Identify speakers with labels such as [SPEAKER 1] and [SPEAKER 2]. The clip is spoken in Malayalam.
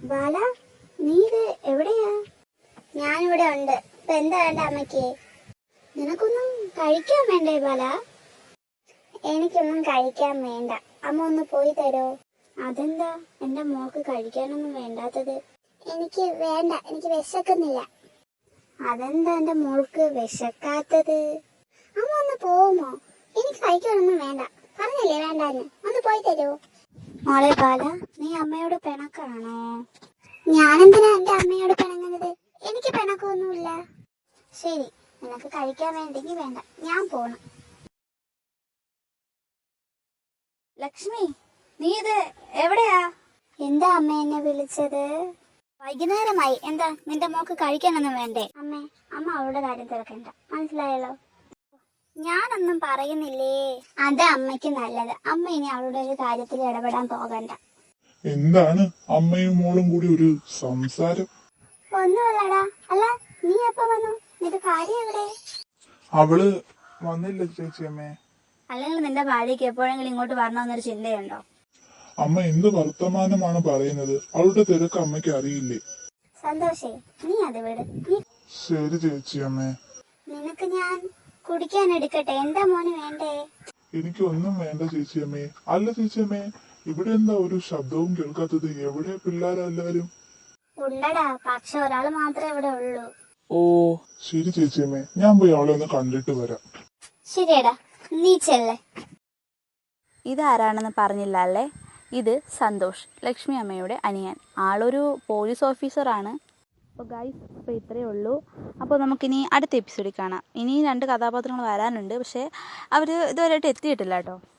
[SPEAKER 1] ബാല, നീ ഇത് എവിടെയാ? ഞാനിവിടെ ഉണ്ട്. ഇപ്പൊ എന്താ വേണ്ട അമ്മയ്ക്ക്? നിനക്കൊന്നും കഴിക്കാൻ വേണ്ടേ ബാല? എനിക്കൊന്നും കഴിക്കാൻ വേണ്ട. അമ്മ ഒന്ന് പോയി തരോ? അതെന്താ എന്റെ മോൾക്ക് കഴിക്കാനൊന്നും വേണ്ടാത്തത്? എനിക്ക് വേണ്ട, എനിക്ക് വിശക്കുന്നില്ല. അതെന്താ എന്റെ മോൾക്ക് വിശക്കാത്തത്? അമ്മ ഒന്ന് പോവുമോ? എനിക്ക് കഴിക്കാനൊന്നും വേണ്ട. പറഞ്ഞില്ലേ വേണ്ടാന്ന്. ഒന്ന് പോയി തരോ? മോളെ ബാല, നീ അമ്മയോട് പിണക്കാണോ? ഞാനെന്തിനാ എന്റെ അമ്മയോട് പിണങ്ങുന്നത്? എനിക്ക് പിണക്കൊന്നുമില്ല. ശരി, നിനക്ക് കഴിക്കാൻ വേണ്ടെങ്കിൽ വേണ്ട, ഞാൻ പോണം.
[SPEAKER 2] ലക്ഷ്മി, നീ ഇത് എവിടെയാ?
[SPEAKER 1] എന്താ അമ്മ എന്നെ വിളിച്ചത്?
[SPEAKER 2] വൈകുന്നേരമായി. എന്താ നിന്റെ മോക്ക് കഴിക്കാനൊന്നും വേണ്ടേ?
[SPEAKER 1] അമ്മേ, അമ്മ അവളുടെ കാര്യം തിരക്കണ്ട, മനസ്സിലായല്ലോ?
[SPEAKER 2] ഞാനൊന്നും പറയുന്നില്ലേ.
[SPEAKER 1] അത് അമ്മയ്ക്ക് നല്ലത്. അമ്മ ഇനി അവളുടെ ഒരു കാര്യത്തിൽ ഇടപെടാൻ പോകണ്ട.
[SPEAKER 3] എന്താണ് അമ്മയും മോളും കൂടി ഒരു സംസാരം?
[SPEAKER 1] ഒന്നുമല്ലടാ. അല്ല, നീ എപ്പോ വന്നു? നിന്റെ കാര്യം എവിടെ?
[SPEAKER 3] അവള് വന്നില്ല ചേച്ചിയമ്മേ.
[SPEAKER 2] അല്ലെങ്കിൽ നിന്റെ ഭാര്യയ്ക്ക് എപ്പോഴെങ്കിലും ഇങ്ങോട്ട് വരണമെന്നൊരു ചിന്തയുണ്ടോ?
[SPEAKER 3] അമ്മ എന്ത് വർത്തമാനമാണ് പറയുന്നത്? അവളുടെ തിരക്ക് അമ്മയ്ക്ക് അറിയില്ലേ?
[SPEAKER 1] സന്തോഷേ, നീ അത് വിട്.
[SPEAKER 3] ശരി ചേച്ചിയമ്മേ.
[SPEAKER 1] നിനക്ക് ഞാൻ കുടിക്കാൻ എടുക്കട്ടെ? എന്താ മോന് വേണ്ടേ?
[SPEAKER 3] എനിക്ക് ഒന്നും വേണ്ട ചേച്ചിയമ്മേ. അല്ല ചേച്ചിയമ്മേ, ഇവിടെ എന്താ ഒരു ശബ്ദവും കേൾക്കാത്തത്? എവിടെ പിള്ളേരെല്ലാരും?
[SPEAKER 1] ഉണ്ടടാ, പക്ഷെ ഒരാള് മാത്രമേ ഇവിടെ ഉള്ളൂ.
[SPEAKER 3] ഓ ശരി ചേച്ചിയമ്മേ, ഞാൻ പോയി അവളെ ഒന്ന് കണ്ടിട്ട് വരാം.
[SPEAKER 1] ശരിയടാ, നീ ചെല്ലേ.
[SPEAKER 2] ഇതാരാണെന്ന് പറഞ്ഞില്ല അല്ലേ? ഇത് സന്തോഷ്, ലക്ഷ്മി അമ്മയുടെ അനിയൻ. ആളൊരു പോലീസ് ഓഫീസറാണ്. അപ്പോൾ ഗൈസ്, ഇപ്പോൾ ഇത്രയേ ഉള്ളൂ. അപ്പോൾ നമുക്കിനി അടുത്ത എപ്പിസോഡിൽ കാണാം. ഇനി 2 കഥാപാത്രങ്ങൾ വരാനുണ്ട്, പക്ഷേ അവർ ഇതുവരെയായിട്ട് എത്തിയിട്ടില്ല കേട്ടോ.